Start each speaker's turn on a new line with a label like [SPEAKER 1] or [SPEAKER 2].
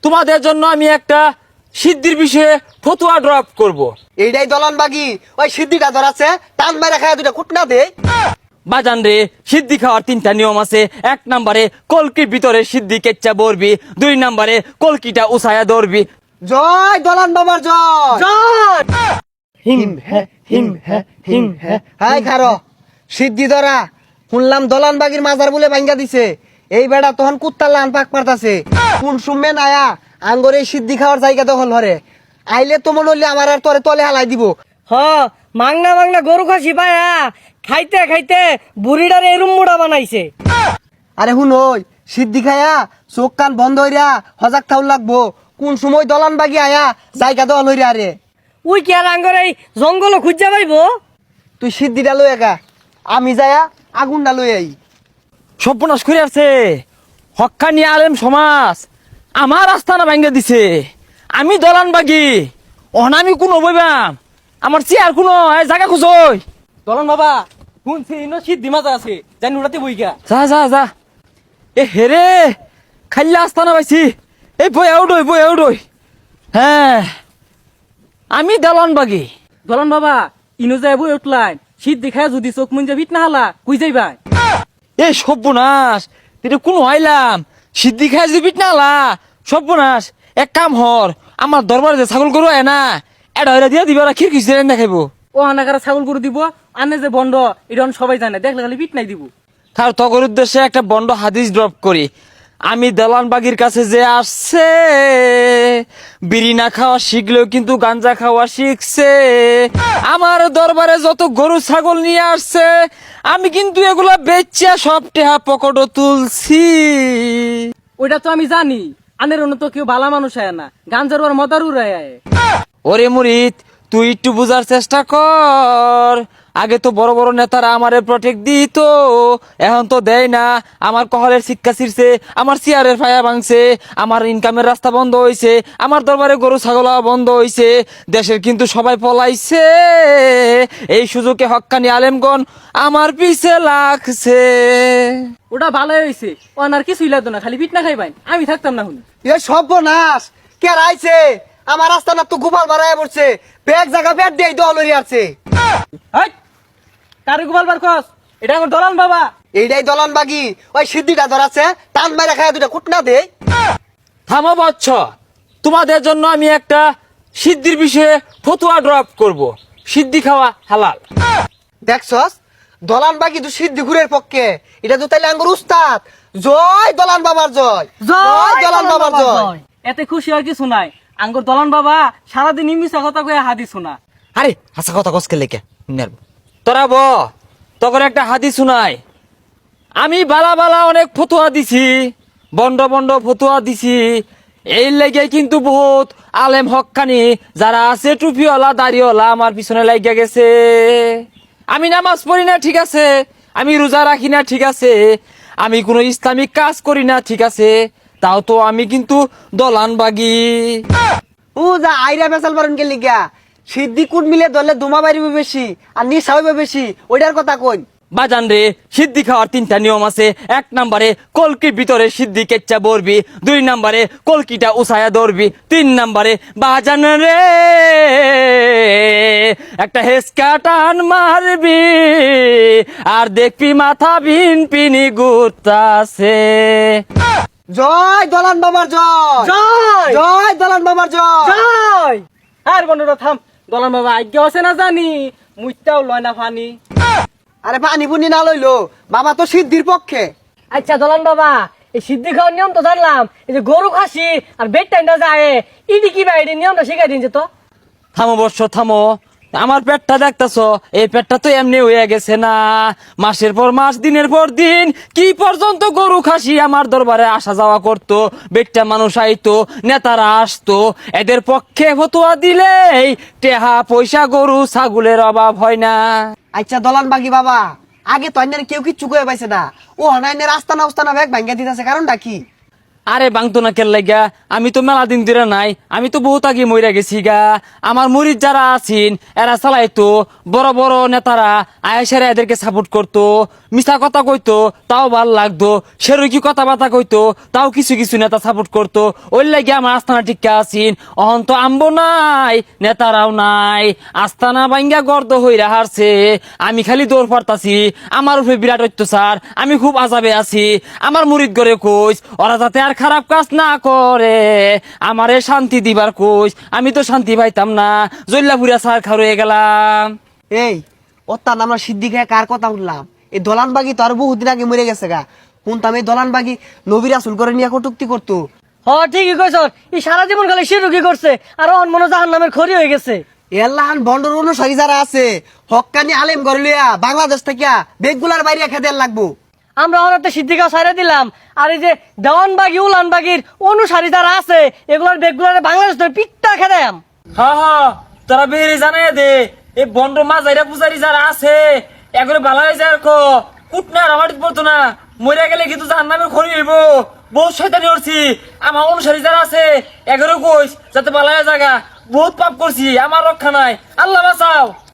[SPEAKER 1] তোমাদের জন্য আমি একটা সিদ্ধির বিষয়ে ফতুয়া ড্রপ করব।
[SPEAKER 2] এইটাই দলন বাগি ওই সিদ্ধিটা ধরাছে টান মেরে খায় দুটা কুটনা দে।
[SPEAKER 1] বাজান রে, সিদ্ধি খাওয়ার 3টা নিয়ম আছে। 1 নম্বরে কলকির ভিতরে সিদ্ধি কেচ্চা বরবি, 2 নম্বরে কলকিটা উসায়া ধরবি।
[SPEAKER 2] জয় দলন বাবার জয়
[SPEAKER 1] জয় হিম হে হিম হে হিম হে।
[SPEAKER 2] হাই খারো সিদ্ধি ধরা শুনলাম দলন বাগির মাজার বলে ভাঙ্গা দিছে। এই বেড়া তখন কুত্তার লান পাক মারতাছে কোন সুমে নায়া আঙ্গরে সিদ্ধি খাওয়ার জায়গা দখল হরে আইলে তো মনে হইলে আমার আর তোরে তলে হালাই দিব।
[SPEAKER 3] হ মাংনা মাংনা গরু খাসি পায়া খাইতে খাইতে বুড়িটার এরুম মুড়া বানাইছে।
[SPEAKER 2] আরে হুন ওই সিদ্ধি খায়া চোখ কান বন্ধ হইরা হজাক থাউল লাগবো কোন সময় দলন বাগি আয়া জায়গা দখল হইরা আরে
[SPEAKER 3] উই কি আর আঙ্গর এই জঙ্গল খুঁজা পাইবো?
[SPEAKER 2] তুই সিদ্ধিটা লই একা আমি যায়া আগুনটা লই আই।
[SPEAKER 1] সর্বনাশ করে আছে হক্কানি আলেম সমাজ আমার আস্থানা ভাঙ্গা দিছে। আমি দলান বাগি অনামি কোনো বইবাম আমার চেয়ার কোনো জায়গা খুঁজই।
[SPEAKER 4] দলন বাবা শুনছি ইনো সিদ্ধি মাছ আছে জানি উড়াতে বইগা।
[SPEAKER 1] যা যা যা এ হেরে খাইলা আস্থানা পাইছি। এই বই আউডই হ্যাঁ আমি দলান বাগি।
[SPEAKER 4] দলন বাবা ইনো যায় বই উঠলাই সিদ্ধি খায় যদি চোখ মুঞ্জা ভিট না হালা কুই যাইবা।
[SPEAKER 1] এই সর্বনাশ তুই কোনো আইলাম সিদ্ধি খাই যদি পিট নালা সর্বনাশ। এক কাম হর আমার দরবারে যে ছাগল গরু আয় না এটা হইরা দিয়া দিবা খিড়কি না খাইব।
[SPEAKER 4] ও হানাকারা ছাগল গরু দিব আনে যে বন্ড এটা সবাই জানে দেখলে খালি পিট নাই দিব।
[SPEAKER 1] তার তগর উদ্দেশ্যে একটা বন্ড হাদিস ড্রপ করি। আমি দালান বাগির কাছে যে আসছে বিড়ি না খাওয়া শিখলেও কিন্তু গাঞ্জা খাওয়া শিখছে। আমার দরবারে যত গরু ছাগল নিয়ে আসছে আমি কিন্তু এগুলা বেচা সব টেহা পকেটও তুলছি।
[SPEAKER 4] ওইটা তো আমি জানি আনের অন্য তো কেউ ভালো মানুষ আয় না গাঞ্জার ওর মদার উড়ায় আয়।
[SPEAKER 1] ওরে মুরিদ তুই একটু বুঝার চেষ্টা কর। আগে তো বড় বড় নেতারা আমারে প্রটেক্ট দিত, এখন তো দেয় না। আমার কহলের শিক্ষা ছিড়ছে, আমার চেয়ারের ফায়া ভাঙছে, আমার ইনকামের রাস্তা বন্ধ হয়েছে, আমার দরবারে গরু ছাগল বন্ধ হয়েছে। দেশের কিন্তু সবাই পলাইছে। এই সুযোগে হক্কানি আলেমগণ আমার পিছে লাগছে।
[SPEAKER 4] ওটা ভালোই হয়েছে ও আর কিছুই লাগতো না খালি পিট না খাইবাই আমি থাকতাম না শুনি।
[SPEAKER 2] এ সর্বনাশ কে রাইছে আমার রাস্তা না তো গোপাল বাড়ায় পড়ছে ব্যাগ জায়গা ব্যাগ দিয়ে দল হইরা আছে।
[SPEAKER 4] কারে গোপাল বার খস এটা আমার দলান বাবা।
[SPEAKER 2] এইটাই দলন বাগি ওই সিদ্ধিটা ধরাছে টান মেরে খায় দুটা কুটনা দে।
[SPEAKER 1] থামো বচ্চ, তোমাদের জন্য আমি একটা সিদ্ধির বিষয়ে ফতুয়া ড্রপ করব। সিদ্ধি খাওয়া হালাল।
[SPEAKER 2] দেখছস দলান বাগি তো সিদ্ধি ঘুরের পক্ষে এটা তো তাইলে আঙ্গুর উস্তাদ। জয় দলান বাবার জয় জয় দলান বাবার জয়।
[SPEAKER 4] এতে খুশি আর কিছু নাই আঙ্গুর দলান বাবা সারাদিন মিশা কথা কয়ে হাদি শোনা।
[SPEAKER 1] আরে হাসা কথা কসকে লেখা তোরা ব তখন একটা হাদিস শুনাই। আমি বালা বালা অনেক ফতুয়া দিছি, বন্ড বন্ড ফতুয়া দিছি। এই লেগে কিন্তু বহুত আলেম হক্কানি যারা আছে টুপিওয়ালা দাড়িওয়ালা আমার পিছনে লাগিয়া গেছে। আমি নামাজ পড়ি না ঠিক আছে, আমি রোজা রাখি না ঠিক আছে, আমি কোনো ইসলামিক কাজ করি না ঠিক আছে, তাও তো আমি কিন্তু দলান বাগি।
[SPEAKER 2] ও যা আইরা বেসাল পারেন কে লিগা সিদ্ধি কুট মিলে ধরলে ধুমা বাড়িবে বেশি আর নিশা হইবে বেশি ওইটার কথা কই।
[SPEAKER 1] বাজান রে, সিদ্ধি খাওয়ার 3টা নিয়ম আছে। 1 নম্বরে কলকির ভিতরে সিদ্ধি কেচ্চা বরবি, 2 নম্বরে কলকিটা উসায়া ধরবি, 3 নম্বরে বাজান রে একটা হেসকা টান মারবি আর দেখবি মাথা ভিন পিনি গুতাছে।
[SPEAKER 2] জয় দলান বাবার জয়
[SPEAKER 3] জয়
[SPEAKER 2] জয় দলান বাবার জয়।
[SPEAKER 3] জয়
[SPEAKER 4] আর বন্ধুরা থাম দলান বাবা আজ্ঞা আছে না জানি মুইটাও লয় না ফানি।
[SPEAKER 2] আরে পানি পুনি না লইলো বাবা তো সিদ্ধির পক্ষে।
[SPEAKER 3] আচ্ছা দলান বাবা এই সিদ্ধি খাওয়ার নিয়ম তো জানলাম, এই যে গরু খাসি আর বেড টাইমটা যায় ইডি কি ভাই নিয়মটা শিখাই দিনছে তো।
[SPEAKER 1] থামো বর্ষ থামো, আমার পেটটা দেখতেছ, এই পেটটা তো এমনি হয়ে গেছে না। মাসের পর মাস দিনের পর দিন কি পর্যন্ত গরু খাসি আমার দরবারে আসা যাওয়া করতো, বেটটা মানুষ আইতো, নেতারা আসতো। এদের পক্ষে ফতুয়া দিলেই টেহা পয়সা গরু ছাগলের অভাব হয় না।
[SPEAKER 2] আচ্ছা দলান বাগি বাবা আগে তো অন্যের কেউ কিচ্ছু কয়ে পাইছে না ও হনাইনের আস্তানা উস্তানা ব্যাগ ভাঙ্গা দিতেছে কারণটা কি?
[SPEAKER 1] আরে বাংতো না কেল লাগা, আমি তো মেলা দিন ধরে নাই, আমি তো বহুত আগে মইরা গেছি গা। আমার মুরিদ যারা আছেন এরা চালাইতো, বড় বড় নেতারা আয়েসারা এদেরকে সাপোর্ট করতো, মিছা কথা কইতো তাও ভাল লাগতো, সেরকি কথাবার্তা কইতো তাও কিছু কিছু নেতা সাপোর্ট করতো। ওই লাগে আমার আস্থানা টিকা আছেন। অহন তো আম্বো নাই, নেতারাও নাই, আস্থানা বাইঙ্গা গর্দ হইরা হারছে, আমি খালি দৌড় পারতাছি। আমার উপরে বিরাট অত্যাচার, আমি খুব আজাবে আছি। আমার মুরিদ করে কইস ওরা যাতে আর খারাপ কাজ না করে, আমারে শান্তি দিবার কইস। আমি তো শান্তি পাইতাম না, জল্লাপুরিয়া সার খার হয়ে গেলাম।
[SPEAKER 2] এই ওত্তান আমরা সিদ্ধি খেয়ে কার কথা শুনলাম? এই দলানবাগি তো আর বহুদিন আগে মরে গেছে গা। শুনতাম এই দলানবাগি নবী রাসূল করে নিয়ে কটুক্তি করতো।
[SPEAKER 3] হ ঠিকই কইছ, এই সারা জীবন খালি শিরুকি করছে আর অন মনে জাহান নামের খড়ি হয়ে গেছে।
[SPEAKER 2] এল্লাহান বন্ডর অনুসারী যারা আছে হক্কানি আলেম করে লিয়া বাংলাদেশ থেকে বেগগুলার বাইরে খেতে লাগবো।
[SPEAKER 3] আমরা অনেকটা সিদ্ধিকা সাইরে দিলাম, আর এই যে দেওয়ানবাগি উলানবাগির অনুসারী যারা আছে এগুলোর বেগগুলার বাংলাদেশ ধরে পিঠটা খেদাম।
[SPEAKER 1] হ্যাঁ হ্যাঁ, তোরা বেরিয়ে জানাই দে, এই বন্ড মাজাইরা পূজারি যারা আছে এগুলো ভালো হয়ে যায়। কুটনা আমার পড়তো না, মরে গেলে কিন্তু জাহান নামে খড়ি হইব। বহুত শয়তানি করছি, আমার অনুসারী যারা আছে এগুলো কইস যাতে ভালো হয়ে জায়গা। বহুত পাপ করছি, আমার রক্ষা নাই, আল্লাহ বাঁচাও।